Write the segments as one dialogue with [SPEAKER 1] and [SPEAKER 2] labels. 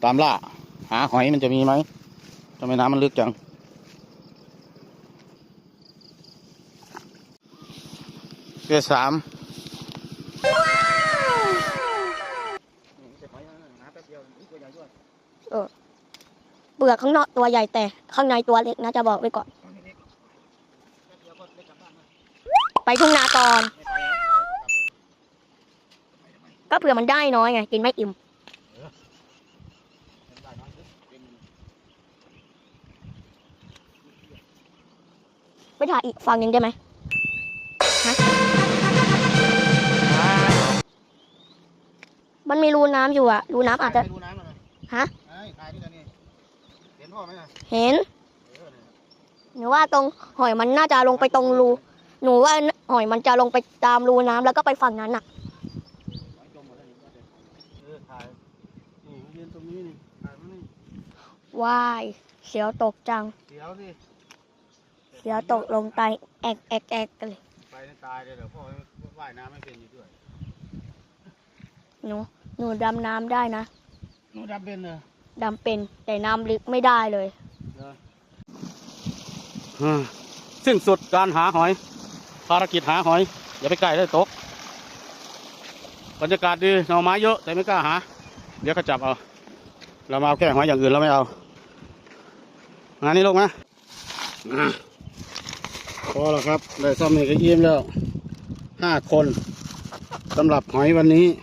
[SPEAKER 1] ตามล่าหาหอยมันจะมีไหมทำไมน้ำมันลึกจังเกลือ3
[SPEAKER 2] เปลือกข้างนอกตัวใหญ่แต่ข้างในตัวเล็กนะจะบอกไว้ก่อนไปทุ่งนาก่อนก็เผื่อมันได้น้อยไงกินไม่อิ่มไปถ่ายอีกฝั่งหนึ่งได้ไหมฮะมันมีรูน้ำอยู่อะรูน้ำอาจจะฮะเห็นหนูว่าตรงหอยมันน่าจะลงไปตรงรูหนูว่าหอยมันจะลงไปตามรูน้ำแล้วก็ไปฝั่งนั้นน่ะว้ายเสียวตกจังเสียวตกลงไปแอกกันเลย
[SPEAKER 1] ไปตายเลยเดี๋ยวพ่อว่ายน้ำไม่เป็นอยู่ด้วย
[SPEAKER 2] หนูดำน้ำได้นะ
[SPEAKER 1] หนูดำเป็นเหรอ
[SPEAKER 2] ดำเป็นแต่น้ำลึกไม่ได้เลย
[SPEAKER 1] สิ้นสุดการหาหอยภารกิจหาหอยอย่าไปใกล้ได้ตกบรรยากาศดีหน่อไม้เยอะแต่ไม่กล้าหาเดี๋ยวก็จับเอาเรามาเอาแค่หอยอย่างอื่นเราไม่เอางานนี้ลงนะพอแล้วครับได้ซ่อมเอกยิ้มแล้ว5 คนสำหรับหอยวันนี้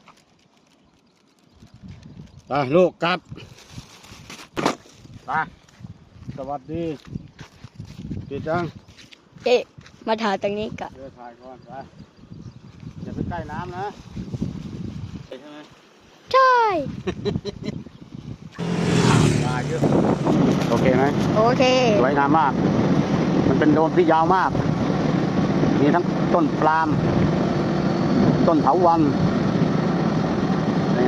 [SPEAKER 1] ไปลูกกลับไปสวัสดีปิดจัง
[SPEAKER 2] มาถ่ายตรงนี้กัน
[SPEAKER 1] ถ่ายก่อนไปอย่าไปใกล้น้ำนะใช่ไหม
[SPEAKER 2] ใช่
[SPEAKER 1] ปลาเยอะโอเคไหม
[SPEAKER 2] โอเค
[SPEAKER 1] สวยงามมากมันเป็นโดมที่ยาวมากมีทั้งต้นปาล์มต้นเถาวัลย์ยังไง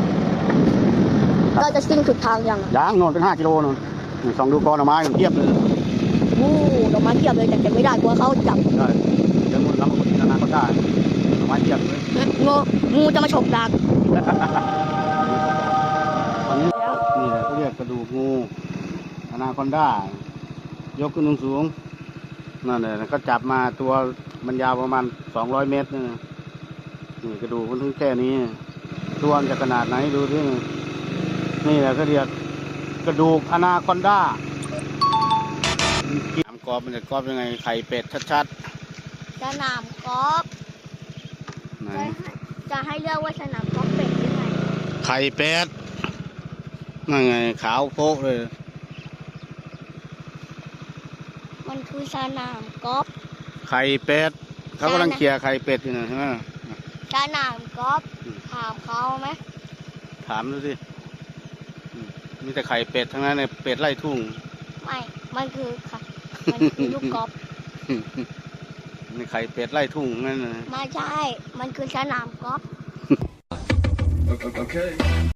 [SPEAKER 2] เราจะสิ้นสุดทางยัง
[SPEAKER 1] โน่นเป็น5 กิโลโน่นส่องดูกอหน่อไม้เทียบเลย
[SPEAKER 2] ดอกไม้เทียบเลยแต่เก็บไม่ได้กลัวเขาจับ
[SPEAKER 1] ได้เดี๋ยวมันน้ำมันนานๆก็ได้ดอกไม้เทียบเลย
[SPEAKER 2] งูจะมาฉกดัก
[SPEAKER 1] ตอนนี้นี่แหละเขาเรียกกระดูกงูอนาคอนดายกขึ้นสูงนั่นแหละก็จับมาตัวมันยาวประมาณ200 เมตรนี่กระดูกมันถึงแค่นี้ตัวมันจะขนาดไหนดูดินี่แหละเขาเรียกกระดูกอนาคอนดาสนามกอล์ฟมันจะกอล์ฟยังไงไข่เป็ดชัด
[SPEAKER 2] ๆสนามกอล์ฟจะให้เลือกว่าสนามกอล์ฟเป็ดยังไง
[SPEAKER 1] ไข่เป็ดนั่นไงขาวโพกเลย
[SPEAKER 2] มันคือสนามกอล์ฟ
[SPEAKER 1] ไข่เป็ดเขากำลังเคลียร์ไข่เป็ดอยู่นะใช่ไหม
[SPEAKER 2] สนามกอล์ฟถามเขาไหม
[SPEAKER 1] ถามดูสิมีแต่ไข่เป็ดทั้งนั้นในเป็ดไล่ทุ่ง
[SPEAKER 2] ไม่มันคือลูกกอล์ฟ
[SPEAKER 1] มีไข่เป็ดไล่ทุ่งนั่นนะ
[SPEAKER 2] ไม่ใช่มันคือสนามกอล์ฟ